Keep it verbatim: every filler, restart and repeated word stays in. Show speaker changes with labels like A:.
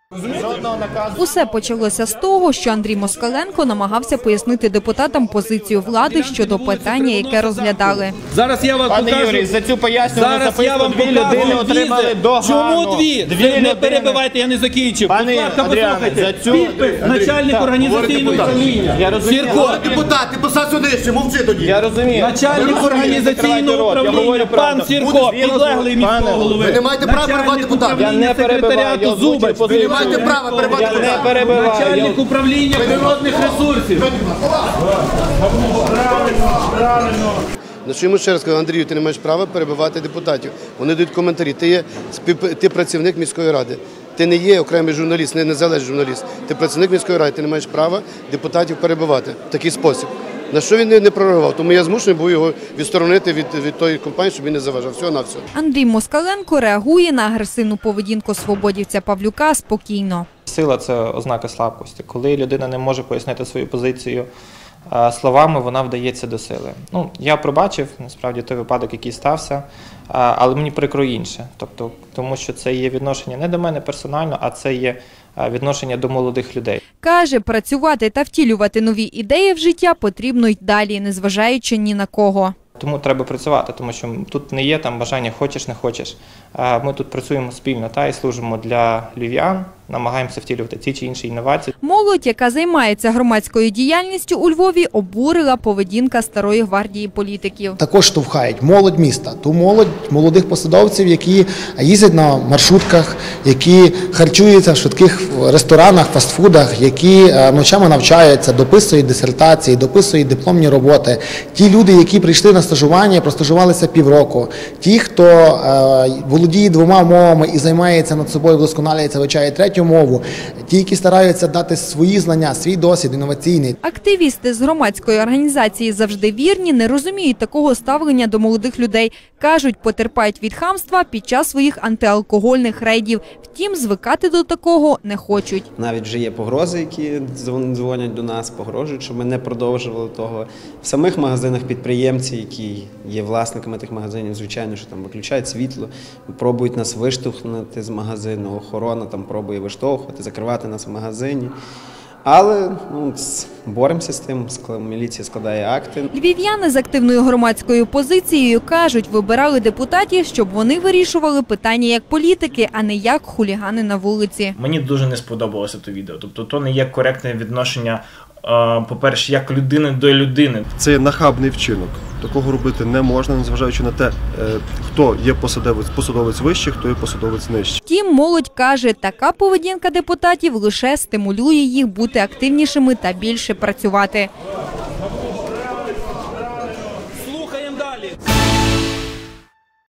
A: Усе почалося з того, що Андрій Москаленко намагався пояснити депутатам позицію влади щодо питання, яке розглядали.
B: Зараз я вам
C: Пане
B: покажу.
C: Юрій, за цю пояснювальну
B: Зараз я
C: записку
B: вам
C: дві людини отримали догану.
B: Чому дві?
C: Дві
B: Ви не
C: людини.
B: перебивайте, я не закінчив.
C: Пане
B: Будь ласка,
C: Адріане,
B: послухайте.
C: за цю-
B: Підпис начальник організаційного управління.
C: Я розумію.
B: Сірко.
D: Депутат, ти посадь сюди ще, мовчи тоді.
C: Я розумію.
B: Начальник організаційного управління, пан Сірко, підлеглий міського голови.
D: Ви не маєте права перебивати депутата.
C: Я не перебиваю, я
B: Зубач.
C: озвучую
D: Ви не маєте права перебивати
C: Я не
D: депутата.
C: перебиваю.
B: Начальник управління природних ресурсів.
D: На що йому ще раз кажу, Андрію, ти не маєш права перебивати депутатів. Вони дають коментарі. Ти є спів- ти працівник міської ради. Ти не є окремий журналіст, не незалежний журналіст. Ти працівник міської ради, ти не маєш права депутатів перебивати в такий спосіб. На що він не, не прореагував? Тому я змушений був його відсторонити від, від тої компанії, щоб він не заважав. Всього на все.
A: Андрій Москаленко реагує на агресивну поведінку свободівця Павлюка спокійно.
E: Сила – це ознака слабкості. Коли людина не може пояснити свою позицію а, словами, вона вдається до сили. Ну, я пробачив, насправді, той випадок, який стався, а, але мені прикро інше. Тобто, тому що це є відношення не до мене персонально, а це є а, відношення до молодих людей.
A: Каже, працювати та втілювати нові ідеї в життя потрібно й далі, незважаючи ні на кого.
E: Тому треба працювати, тому що тут не є там бажання хочеш, не хочеш. А Ми тут працюємо спільно та і служимо для львів'ян, намагаємося втілювати ті чи інші інновації.
A: Молодь, яка займається громадською діяльністю у Львові, обурила поведінка старої гвардії політиків.
F: Також штовхають молодь міста, ту молодь молодих посадовців, які їздять на маршрутках, які харчуються в швидких ресторанах, фастфудах, які ночами навчаються, дописують дисертації, дописують дипломні роботи. Ті люди, які прийшли на стажування, простажувалися півроку. Ті, хто е, володіє двома мовами і займається над собою, вдосконалюється, вивчає третю мову. Ті, які стараються дати свої знання, свій досвід інноваційний.
A: Активісти з громадської організації «Завжди вірні» не розуміють такого ставлення до молодих людей. Кажуть, потерпають від хамства під час своїх антиалкогольних рейдів. Втім, звикати до такого не хочуть.
G: Навіть вже є погрози, які дзвонять до нас, погрожують, щоб ми не продовжували того. В самих магазинах підприємці, які є власниками тих магазинів, звичайно, що там виключають світло, пробують нас виштовхнути з магазину, охорона там пробує виштовхувати, закривати нас в магазині. Але ну, боремося з тим, міліція складає акти.
A: Львів'яни з активною громадською позицією кажуть, вибирали депутатів, щоб вони вирішували питання як політики, а не як хулігани на вулиці.
H: Мені дуже не сподобалося те відео. Тобто то не є коректне відношення, по-перше, як людини до людини.
I: Це нахабний вчинок. Такого робити не можна, незважаючи на те, хто є посадовець, посадовець вищий, хто є посадовець нижчий.
A: Втім, молодь каже, така поведінка депутатів лише стимулює їх бути активнішими та більше працювати.